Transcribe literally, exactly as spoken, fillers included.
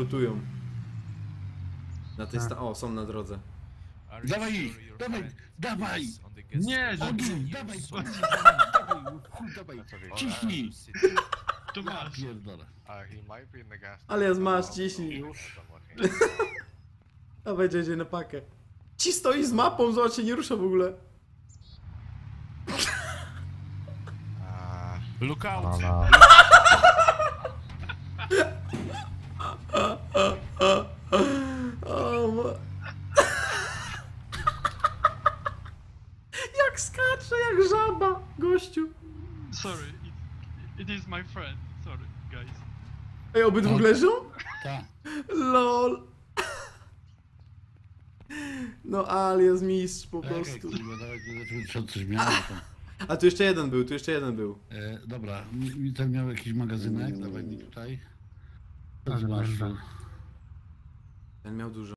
lutują. Na tej sta... O, są na drodze. Dawaj ich! Dawaj! Dawaj! Nie, że... Ogień! Dawaj! Dawaj! Dawaj! Ciśnij! Tu masz. Pierdolę. Ale ja masz, ciśnij. A będzie jedzie na pakę. Ci stoi z mapą, zobacz, się nie rusza w ogóle. Look out! O, ma... Jak skacze, jak żaba, gościu. Sorry, it, it is my friend. Sorry, guys. Ej, obydwu leżą? Tak. Lol. No, alias mistrz po Czekaj, prostu. kurwa, dawaj, co coś miało tam. A tu jeszcze jeden był, tu jeszcze jeden był. E, dobra, mi, mi ten miał jakiś magazynek, dawaj mi tutaj. Co ty masz tu? Ten miał dużo.